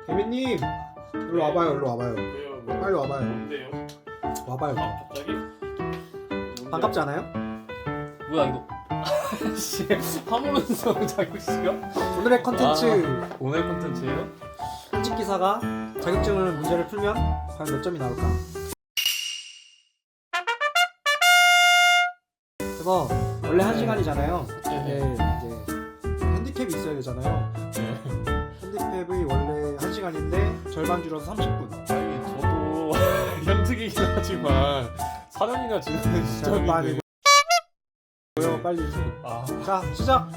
개미님 일로 와봐요. 일로 와봐요. 왜요? 빨리 와봐요. 뭔데요? 와봐요. 갑자기? 반갑지 않아요? 뭐야 이거? 씨, 화물운송 자격시험? 오늘의 컨텐츠 오늘 콘텐츠예요? 현직 기사가 자격증을 문제를 풀면 과연 몇 점이 나올까? 그래서 원래 1시간이잖아요. 네, 이제 핸디캡이 있어야 되잖아요. 핸디캡이 원래 1시간인데 절반 줄어서 30분. 아니 저도 현직이긴 하지만 4년이나 지난 시점인데 빨리. 아, 자, 시작!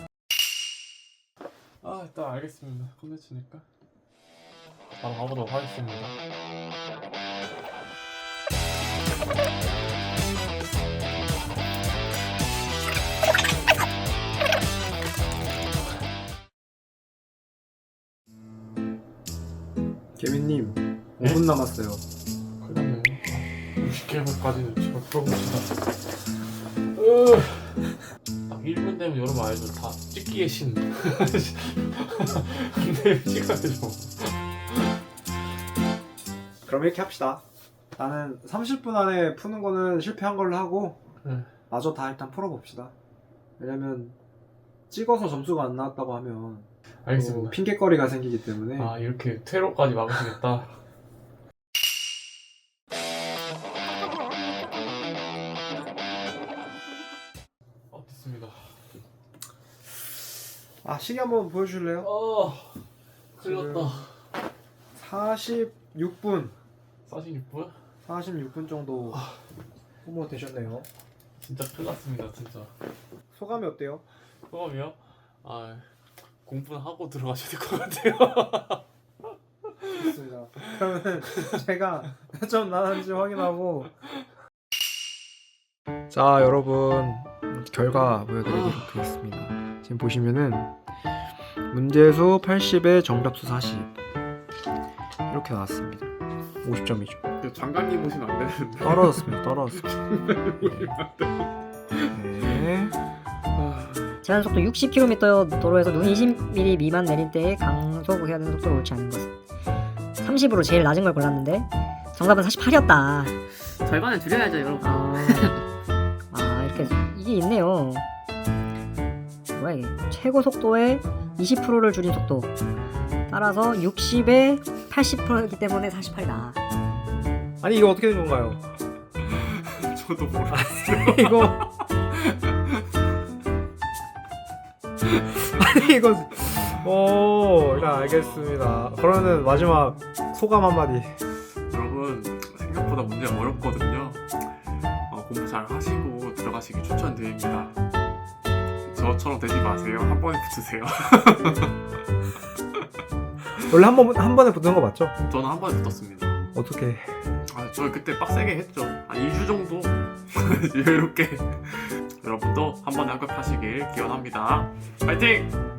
일단 알겠습니다. 콘텐츠니까 바로 가보도록 하겠습니다. 개미님 네? 5분 남았어요. 그러면 60개월까지는 제가 풀어봅시다. 딱 1분 되면 여러분 알죠? 다 찍기의 신. 근데 찍어야죠. 그럼 이렇게 합시다. 나는 30분 안에 푸는 거는 실패한 걸로 하고 마저 다 일단 풀어봅시다. 왜냐면 찍어서 점수가 안 나왔다고 하면 알겠습니다. 핑계거리가 생기기 때문에 아 이렇게 퇴로까지 막으시겠다. 됐습니다. 시계 한번 보여줄래요? 틀렸다. 46분 46분? 46분 정도 소모 되셨네요. 진짜 큰일 났습니다 진짜. 소감이 어때요? 소감이요? 공부는 하고 들어가셔야 될 것 같아요. 좋습니다. 그러면 제가 몇 점 나왔는지 확인하고 자 여러분 결과 보여드리도록 하겠습니다. 지금 보시면은 문제수 80에 정답수 40 이렇게 나왔습니다. 50점이죠. 장관님 보시면 안 되는데. 떨어졌습니다. 떨어졌습니다. 네. 제한 속도 60km 도로에서 눈이 20mm 미만 내릴 때에 강속해야 되는 속도를 옳지 않은 것은 30으로 제일 낮은 걸 골랐는데 정답은 48이었다. 절반을 줄여야죠, 여러분. 이렇게 이게 있네요. 뭐야 이게? 최고 속도의 20%를 줄인 속도. 따라서 60에 80%이기 때문에 48이다. 아니 이거 어떻게 된 건가요? 저도 몰라요. 이거 아니 이거 일단 알겠습니다. 그러면 마지막 소감 한마디. 여러분 생각보다 문제가 어렵거든요. 공부 잘 하시고 들어가시기 추천드립니다. 저처럼 되지 마세요. 한 번에 붙으세요. 원래 한 번에 붙는 거 맞죠? 저는 한 번에 붙었습니다. 어떻게? 저 그때 빡세게 했죠. 한 2주 정도 여유롭게. 여러분도 한 번에 합격하시길 기원합니다. 파이팅!